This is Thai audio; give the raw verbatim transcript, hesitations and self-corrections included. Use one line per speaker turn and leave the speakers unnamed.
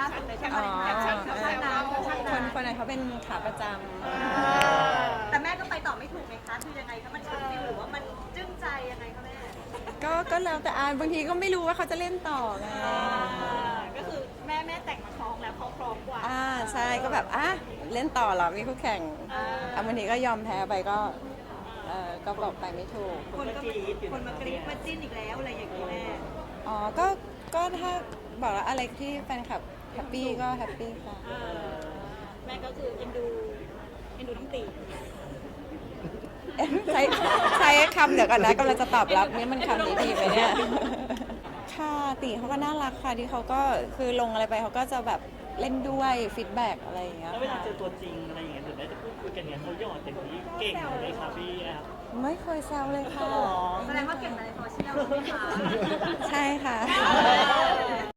ล่าสุดเลยใช่ไหม
อ๋อ
แคปชั่นเขาช่างน้ำเขาช่าง
คน
น้ำ
คนไหนเขาเป็นขาประจ
แต่แม่ก็ไปต่อไม่ถูกไหมคะคือยังไงคะมันช็อตฟิลหรือว่ามันจึ้งใจยังไงคะแม่
ำก็ก็แล้วแต่อานบางทีก็ไม่รู้ว่าเขาจะเล่นต่อไง
ก็คือแม่แม่แต่งมาคล้องแล้วเขาพร้อมกว่า
อ่าใช่ก็แบบอ่ะเล่นต่อเหรอมีคู่แข่ง
อ่า
อ่ะบางทีก็ยอมแพ้ไปก็เออก็บอกไปไม่ถูก
คนก็คนมากรี๊ดมาจิ้นอีกแล้วอะไรอย่างนี้แม่
อ๋อก็ก็ถ้าบอกว่าอะไรที่แฟนคลับแฮปปี้ก็แฮปปี้ค่ะ
แม่ก็คือเอ็นดูเอ็นดูน้องตี
เอ๊ะใช้ใช้คำเดี๋ยวก่อนนะกำลังจะตอบรับนี่มันคำดีๆไหมเนี่ย ค่ะติเขาก็น่ารักค่ะที่เขาก็คือลงอะไรไปเขาก็จะแบบเล่นด้วยฟีดแบ็กอะไรอย่างเงี้ย
แล้วเวลา
ค่ะ
เจอตัวจริงอะไรอย่างเงี้ยหรือได้จะพูดคุยกันเนี่ยเขาหยอดอย่างนี้เก่งไหมครับพี่แอฟ
ไม่เคยแซวเลยค่ะ
แสดงว่าเก่งในโซเชียลใช่ไหมคะ
ใช่ค่ะ